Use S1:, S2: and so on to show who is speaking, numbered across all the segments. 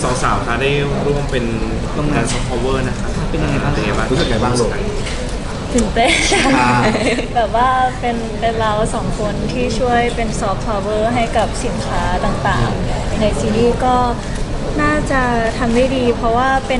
S1: สองสาวคะได้ร่วมเป็นงานซอฟต์พาวเวอร์นะคะ
S2: เป็นยังไงบ้าง
S3: รู้สึกไงบ้างลูก
S4: ตื่นเต้นแบบว่าเป็นเราสองคนที่ช่วยเป็นซอฟต์พาวเวอร์ให้กับสินค้าต่างๆในซีรีส์ก็น่าจะทำได้ดี เพราะว่าเป็น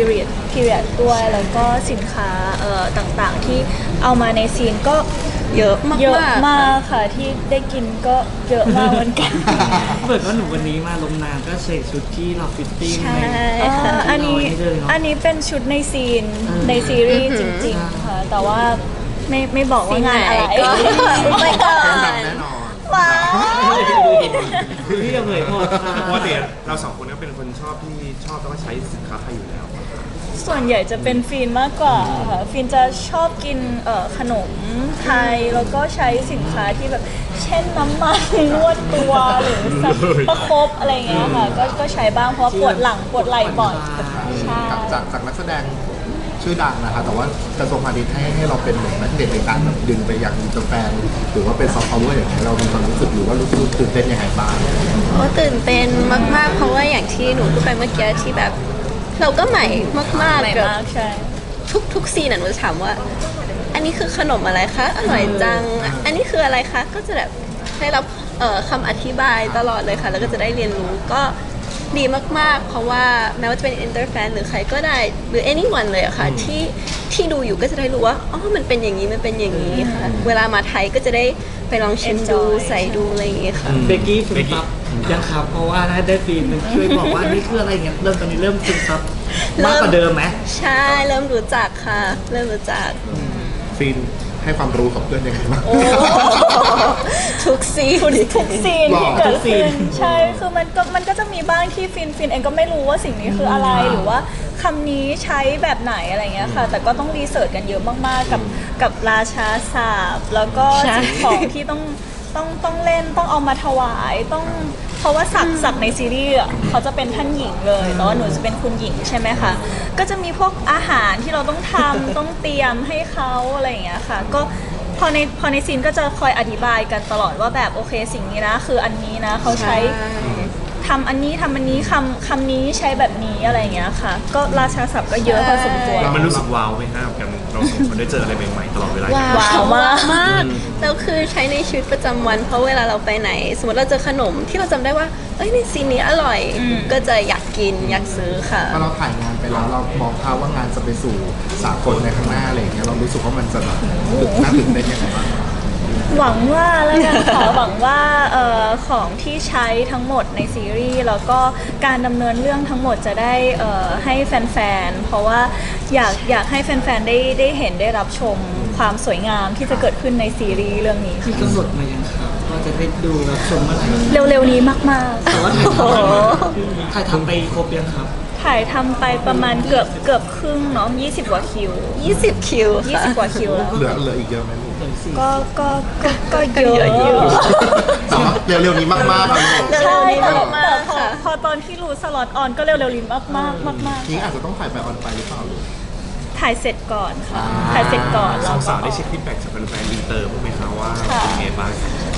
S4: period ด้วยแล้วก็สินค้าต่างๆที่เอามาในซีนก็
S5: เยอะมาก
S4: เยอะมากค่ะที่ได้กินก็เยอะมากเหมือนกัน
S2: เปิดว่าหนูวันนี้มาลงนามก็ใส่ชุดที่เราฟิตติ้ง
S4: ใช่อันนี้เป็นชุดในซีนในซีรีส์จริงๆค่ะแต่ว่าไม่บอกว่างานอะไร
S5: ไม่ก่อน
S3: แน่นอน
S4: ว้าว
S2: พี่จะเผยหมดค่ะ
S1: เพราะว่าเราสองคนก็เป็นคนชอบแล้วก็ใช้สินค้าไทยอยู่แล้ว
S4: ส่วนใหญ่จะเป็นฟินมากกว่าค่ะฟินจะชอบกินขนมไทยแล้วก็ใช้สินค้าที่แบบเช่นน้ำมันนวดตัวหรือสักประคบอะไรเงี้ยค่ะก็ใช้บ้างเพราะปวดหลังปวดไหล่บ่อยใช่
S3: จากนักแสดงชื่อดังนะคะแต่ว่ากระทรวงพาณิชย์ให้เราเป็นเหมือนนักเด่นในการแบบดึงไปอย่างอินเตอร์แฟนหรือว่าเป็นซอฟต์พาวเวอร์อย่างไรเรามีความรู้สึกหรือว่ารู้สึกตื่นเต้นยังไงบ้าง
S5: ตื่นเต้นมากๆเพราะว่าอย่างที่หนูพูดไปเมื่อกี้ที่แบบเราก็ใหม่มากๆกับทุกซีนหนูจะถามว่าอันนี้คือขนมอะไรคะอร่อยจังอันนี้คืออะไรคะก็จะแบบได้รับคำอธิบายตลอดเลยค่ะแล้วก็จะได้เรียนรู้ก็ดีมากๆเพราะว่าแม้ว่าจะเป็นอินเตอร์แฟนหรือใครก็ได้หรือ anyone เลยอะค่ะที่ดูอยู่ก็จะได้รู้ว่าอ๋อมันเป็นอย่างนี้มันเป็นอย่างนี้ค่ะเวลามาไทยก็จะได้ไปลองชิมดูใส่ดูอะไรอย่างเงี้ยค่ะ
S2: เบกกี้ซึมซับยังครับเพราะว่าได้ฟีนมันช่วยบอกว่านี่คืออะไรเงี้ยตอนนี้เริ่มซึมซับมากกว่าเดิมไหม
S5: ใช่เริ่มรู้จักค่ะเริ่มรู้จัก
S3: ฟินให้ความรู้กับเพื่อนยังไงบ้าง
S5: ทุกซีน
S4: ที่เกิดขึ้นใช่คือมันก็จะมีบ้างที่ฟินเองก็ไม่รู้ว่าสิ่งนี้คืออะไรหรือว่าคำนี้ใช้แบบไหนอะไรเงี้ยค่ะแต่ก็ต้องรีเสิร์ชกันเยอะมากๆกับราชาศัพท์แล้วก็สิ่งของที่ต้องเล่นต้องเอามาถวายต้องเพราะว่าศักดิ์ในซีรีส์เขาจะเป็นท่านหญิงเลยแต่ว่าหนูจะเป็นคุณหญิงใช่ไหมคะก็จะมีพวกอาหารที่เราต้องทำต้องเตรียมให้เขาอะไรอย่างเงี้ยค่ะก็พอในซีนก็จะคอยอธิบายกันตลอดว่าแบบโอเคสิ่งนี้นะคืออันนี้นะเขาใช้ทำอันนี้คำนี้ใช้แบบนี้อะไรอย่างเงี้ยค่ะก็ราชาศัพท์ก็เยอะพอสมควร
S1: มันรู้สึกว้าวไหมครับกับเราสองคนได้เจออะไรใหม่ๆตลอดเวลา
S5: ว้าวมากแล้วคือใช้ในชีวิตประจำวันเพราะเวลาเราไปไหนสมมติเราเจอขนมที่เราจำได้ว่าเอ้ยในซีนนี้อร่อยก็จะอยากกินอยากซื้อค่ะ
S3: พอเราถ่ายงานไปแล้วเรามองภาพว่างานจะไปสู่สากลในข้างหน้าอะไรอย่างเงี้ยเรารู้สึกว่ามันจะแบบน่าตื่นเต้นยังไงบ้าง
S4: หวังว่าแล้วกันค่ะหวังว่าของที่ใช้ทั้งหมดในซีรีส์แล้วก็การดำเนินเรื่องทั้งหมดจะได้ให้แฟนๆเพราะว่าอยากให้แฟนๆได้เห็นได้รับชมความสวยงามที่จะเกิดขึ้นในซีรีส์เรื่องนี้
S2: มีกำหนดมายังครับว่าจะได้ดูรับชมเมื่อไหร่
S4: เร็วๆนี้มากๆ
S2: แต่ว่าถ่ายทำไปครบยังครับ
S4: ถ่ายทำไปประมาณเกือบครึ่งเนาะ20 กว่าคิว
S5: 20 คิว
S4: 20 กว่าคิว
S3: เหลืออีกเยอะไหมลูก
S4: ก็เยอะอยู่
S3: เร็วๆนี้มากๆเลย
S4: ใช่แต่พอตอนที่รู้สล็อตออนก็เร็วๆนี้มาก
S3: นี่อาจจะต้องถ่ายไปออนไปหรือเปล่าลูก
S4: ถ่ายเสร็จก่อนค่ะถ่ายเสร็จก่อน
S1: สองสาวได้เช็คฟีดแบ็กจากแฟนๆอินเตอร์พวกไหมคะว่าเป็นไงบ้าง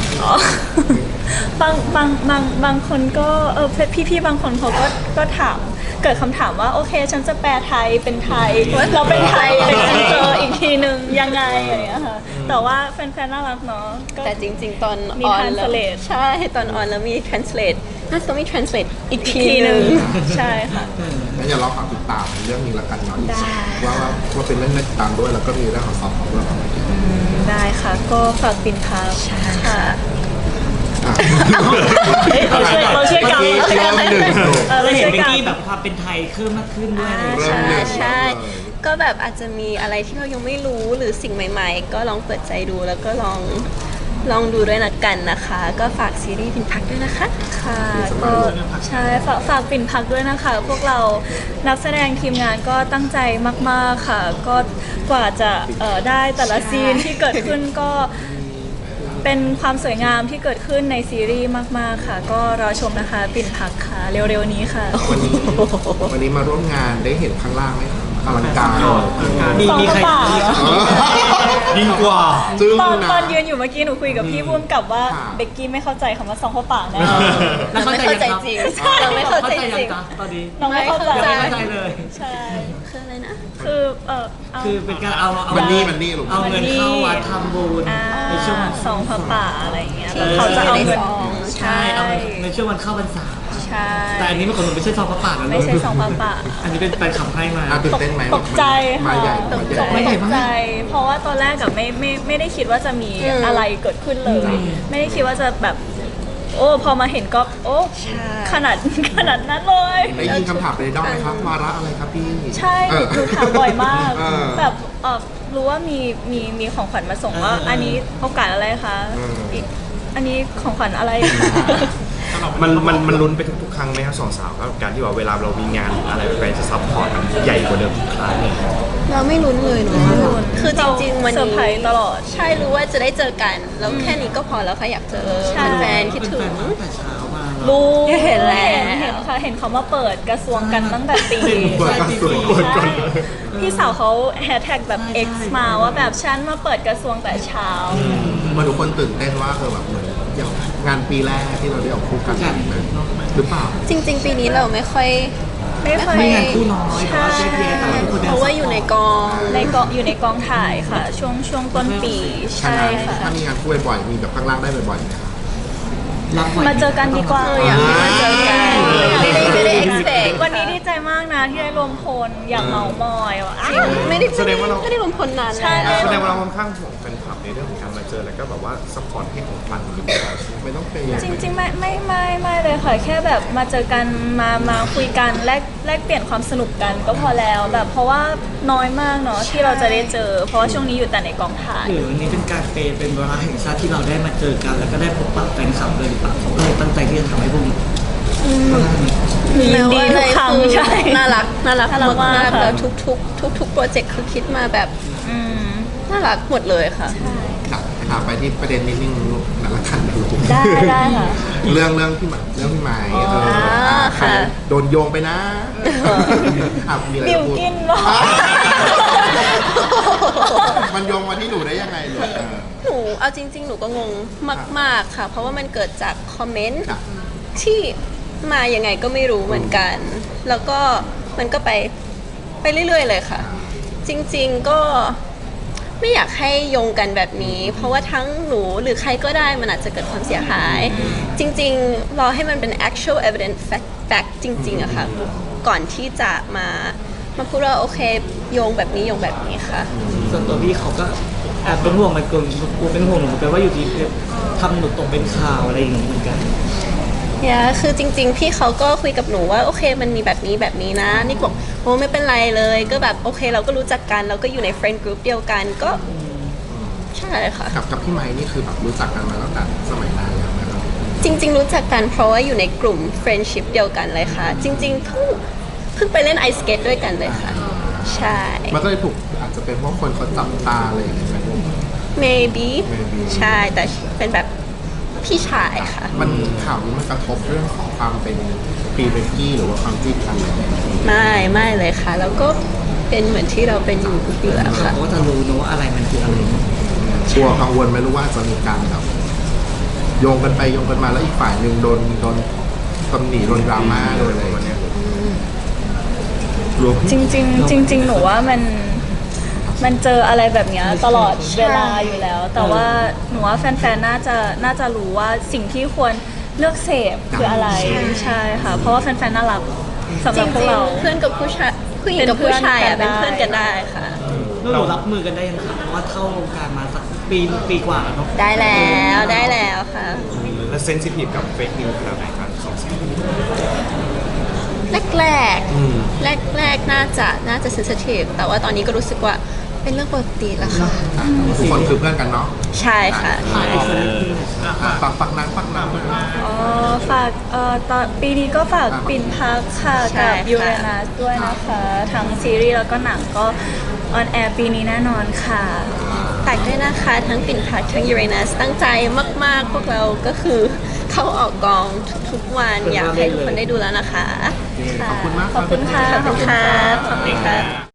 S4: บางคนก็พี่บางคนเขาก็ถามเกิดคำถามว่าโอเคฉันจะแปลไทยเป็นไทยเราเป็นไทยเป็นอินเตอร์อีกทีนึงยังไงอะไรอย่างเงี้ยค่ะแต่ว่าแฟนๆน่ารักเนาะ
S5: แต่จริงๆตอน
S4: มี translate
S5: ใช่ตอนออนแล้วมี translate น่าจะต้องมี translate อีกทีนึง
S4: ใช่ค่ะ
S3: งั้นอย่ารอฝากติดตามเรื่องนี้ละกันเนาะว่าเป็นเรื่องน่าติดตามด้วยแล้วก็มีเรื่องของซอฟต์ด้วย
S4: ได้ค่ะก็ฝากปินพาค่ะเราเชื่อกัน
S2: เราเห็นเบกกี้แบบความเป็นไทยเพิ่มมากขึ้นด้วย
S5: ใช่ก็แบบอาจจะมีอะไรที่เรายังไม่รู้หรือสิ่งใหม่ๆก็ลองเปิดใจดูแล้วก็ลองดูด้วยนะกันนะคะก็ฝากซีรีส์ปิ่นพักด้วยนะคะ
S4: ค่ะก็ใช่ฝากปิ่นพักด้วยนะคะพวกเรานักแสดงทีมงานก็ตั้งใจมากๆค่ะก็กว่าจะได้แต่ละซีนที่เกิดขึ้นก็เป็นความสวยงามที่เกิดขึ้นในซีรีส์มากๆค่ะก็รอชมนะคะปิ่นพักค่ะเร็วๆนี้ค่ะ
S3: วันนี้มาร่วมงานได้เห็นข้างล่างไหมคะอลังการ
S2: มี
S4: สอง
S2: มีใคร
S4: กระป๋า
S1: ยิ่งกว่า
S3: จึ้ง
S4: ตอน
S3: นะ
S4: ตอนยืนอยู่เมื่อกี้หนูคุยกับพี่พุ่มกับว่า
S3: ค่ะ
S4: เบกกี้ไม่เข้าใจคำว่าซองข้าวป่าแน่
S2: แล้ว
S5: ไม่
S2: เข้า
S5: เข้า
S2: ใจ
S5: ใจ
S2: ยัง
S5: จริง
S2: ครับ
S5: เราไม่เข้าใจจริง
S2: ยังจ๊ะตอนนี้
S4: น้องไม่เข้าใจ
S2: ยังไม่เข้าใจเลย
S4: ใช่
S5: คืออะไรนะ
S4: คือเอา
S2: คือเป็นการเอา
S3: มันนี่ลูก
S2: เอาเงินเข้าวัดทำบุญ
S4: อ่า
S2: ในช่วงวัน
S4: ซองผ้าป่าอะไรอย่างเงี้ย
S5: ที่
S4: แล้วเขาจะเอาเงิน
S5: ในซอง
S2: ใช่เอาเงินในช่วงวันเข้าพรรษา
S4: ใช่
S2: แต่อันนี้มันของหนูไม่ใช่ซองพระป่านะ
S4: ไม่ใช่ซองผ้าป่า
S2: อันนี้เป็นแฟนคลับให้มา
S3: น่าตื่นเต้นไหม
S4: ตกใจ
S3: มา
S4: ค่ะ
S3: ใหญ่
S4: ต
S3: มาก ให
S4: ใจ
S3: ญ่
S2: ไม่ใหญ่
S4: ต
S2: มาก
S4: กใจ เพราะว่าตอนแรกกับไม่ได้คิดว่าจะมีอะไรเกิดขึ้นเลย ไม่ได้คิดว่าจะแบบ โอ้พอมาเห็นก็โอ้
S5: ใช่
S4: ขนาดนั้นเลย
S3: ได้ยินคำถามไปในด้อมไหมครับวาระอะไรครับพี่
S4: ใช่
S3: เออ
S4: หนูถามบ่อยมาก
S3: เออ
S4: แบบรู้ว่ามีของขวัญมาส่งว่า อันนี้โอกาสอะไรคะ
S3: เอออี
S4: กอันนี้ของขวัญอะไรคะ
S1: มันลุ้นไปทุกๆครั้งไหมครับสองสาวกับการที่ว่าเวลาเรามีงานหรืออะไรไปจะซัพพอร์ตมันใหญ่กว่าเดิมทุกครั้งเลย
S5: เราไม่ลุ้นเลยเนาะคือจริงๆวัน
S4: เซอร์
S5: นี้
S4: ไพรส์ตลอด
S5: ใช่รู้ว่าจะได้เจอกัน แล้วแค่นี้ก็พอแล้วค่ะอยากเจอ
S4: ใช่
S5: แฟนๆคิดถึง
S2: ตั้งแต่เช้ามาเลย
S4: รู้
S5: เห็นแล้ว
S4: เห็นค่ะเห็นเขามาเปิดกระทรวงกันตั้งแต่ตี
S3: เปิดกระทรวง
S4: ใช่พี่สาวเขาแฮชแท็กแบบ X มาว่าแบบฉันมาเปิดกระทรวงแต่เช้า
S3: มาทุกคนตื่นเต้นว่าแบบเหมือนอย่างงานปีแรกที่เราได้ออกคู่กันหรือเปล่า
S5: จริง ๆ ปีนี้เราไม่ค่อย
S4: ไม่ค่อย
S2: มีงานคู่น้อยแต่ว่าแยกแยะแต่ว่าทุกคน
S5: เพราะว่าอยู่ในกอง
S4: อยู่ในกองถ่ายค่ะ ช่วงต้นปีใช่ค่ะ
S3: ถ้ามีงานคู่บ่อยๆมีแบบข้างล่างได้บ่อยๆไหมครับ
S2: รับไว้
S4: มาเจอกันดีกว่า
S5: อยากมาเจอกันไม่ได้ expect
S4: วันนี้ดีใจมากนะที่ได้รวมพลอยากเมามอยว่ะ
S5: จริงไม่ได้
S1: แสดงว่าเรา
S5: ไม่ได้รวมพลนาน
S4: ใช่
S5: แล้ว
S1: แสดงว่าเราค่อนข้างห่วงแฟนคลับในเรื่องของการมาเจอแล้วก็แบบว่าซัพพอร์ตให้ของขวัญหรือเปล่า
S3: ไม่ต้องเป็น
S4: จริงๆไม่เลยค่ะแค่แบบมาเจอกันมาคุยกันแลกเปลี่ยนความสนุกกันก็พอแล้วแบบเพราะว่าน้อยมากเนาะที่เราจะได้เจอ เพราะว่าช่วงนี้อยู่แต่ในกองถ่าย
S2: หรือวันนี้เป็นการเป็นเวลาแห่งชาติที่เราได้มาเจอกัน แล้วก็ได้พบปะแฟนคลับเลยหรือเปล่าเขาก็เลยตั้งใจที่จะทำให้พวกนี้
S4: ยินดีทุกครั้ง
S5: คือ
S4: ใช่
S5: น่ารัก
S4: น่ารัก
S5: มาก
S4: มาก
S5: ๆ
S4: ค่ะ
S5: แล้วทุกโปรเจกต์คือคิดมาแบบ
S4: อืม
S5: น่ารักหมดเลยค่ะ
S3: ครับถามไปที่ประเด็นนิดนึงหนักละคันดู
S4: ได้ค่ะ
S3: เรื่องพี่หมายใคร
S5: ค่ะ
S3: โดนโยงไปนะมีอะไร
S4: บิว
S3: จะพูด
S4: กินวะ
S3: มันโยงมาที่หนูได้ยังไงลูก
S5: หนูเอาจริง ๆ หนูก็งงมาก ๆ ค่ะ เพราะว่ามันเกิดจากคอมเมนต์
S3: ครับ
S5: ที่มายังไงก็ไม่รู้เหมือนกัน แล้วก็มันก็ไปเรื่อย ๆ เลยค่ะ จริง ๆ ก็ไม่อยากให้โยงกันแบบนี้ เพราะว่าทั้งหนูหรือใครก็ได้มันอาจจะเกิดความเสียหาย จริง ๆ รอให้มันเป็น actual evidence fact จริง ๆอะค่ะ ก่อนที่จะมาพูดว่าโอเคโยงแบบนี้โยงแบบนี้ค่ะ
S2: ส่วนตัวพี่เขาก็แอบเป็นห่วงมันกลัวเป็นห่วงหนูเหมือนกันว่าอยู่ดีทำหนูตกเป็นข่าวอะไรอย่างนี้เหมือนกัน
S5: คือจริง ๆ พี่เขาก็คุยกับหนูว่าโอเคมันมีแบบนี้นะนี่บอกโอ้ไม่เป็นไรเลยก็แบบโอเคเราก็รู้จักกันเราก็อยู่ใน friend group เดียวกันก็ใช่ค่ะ
S3: กับพี่ไม้นี่คือแบบรู้จักกันมาตั้งแต่สมัยนานแล้วนะครับ
S5: จริง ๆ รู้จักกันเพราะว่าอยู่ในกลุ่ม friendship เดียวกันเลยค่ะ จริง ๆ เพิ่งไปเล่นไอสเกตด้วยกันเลยค่ะ ใช่
S3: มันก็เลยถูกอาจจะเป็นเพราะคนเขาจับตาอะไรอย่างเงี้ยไหมลูก
S5: maybe
S3: maybe
S5: ใช่แต่เป็นแบบพี่ชายค่ะ
S3: มันข่าวนี้มันกระทบเรื่องของความเป็นพรีเบกกี้หรือว่าความจิ้นกันอะไรอย่างเงี้ย
S5: ไม่เลยค่ะ แล้วก็เป็นเหมือนที่เราเป็นอยู่แล้วค่ะ
S2: เขาก็จะรู้นะว่าอะไรมันคืออะไร
S3: กลัวกังวลไหมรู้ว่าจะมีการแบบโยงกันไปโยงกันมาแล้วอีกฝ่ายหนึ่งโดนตำหนิโดนดราม่าโดนอะไรอย่างเงี้ยรวม
S4: จริงๆหนูว่ามันเจออะไรแบบเนี้ยตลอดเวลาอยู่แล้ว แต่ว่าหนูว่าแฟนๆน่าจะรู้ว่าสิ่งที่ควรเลือกเสพคืออะไรใช่ค่ะ เพราะว่าแฟนๆน่ารักสำห
S5: จ
S4: รับพว
S5: ริ
S4: ก
S5: ง
S4: เรา
S5: ๆเพื่อนกับผู้ชายผู้หญิงกับผู้ชายอ่ะเป็นเพื่อนกันได้ค่ะ
S2: แล้วเรารับมือกันได้ยังไงเพราะว่าเข้าวงการมาสักปีกว่าแล้วเนาะ
S5: ได้แล้วค่ะ
S1: และเซนซิทีฟกับเฟกนิวส์ขนาดไหนครับสองสาว
S5: แรกน่าจะ sensitive แต่ว่าตอนนี้ก็รู้สึกว่าเป็นเรื่องปกติแล้วค่ะ
S3: ทุกคนคือเพื่อนกันเนาะ
S5: ใช่ค่ะ
S3: ปักน้ำ
S4: อ๋อฝากตอนปีนี้ก็ฝากปิ่นพักค่ะ
S5: ใช่
S4: กับ
S5: ค่ะ
S4: ยูเรนัสด้วยนะคะ ทั้งซีรีส์แล้วก็หนังก็ออนแอร์ปีนี้แน่นอนค่ะ
S5: ฝากด้วยนะคะทั้งปิ่นพักทั้งยูเรนัสตั้งใจมากๆ พวกเราก็คือเข้าออกกองทุกๆวันอยากให้ทุกคนได้ดูแล้วนะคะ
S3: ขอบคุณมาก
S4: ขอบคุณค่ะ
S5: ขอบคุณค่ะ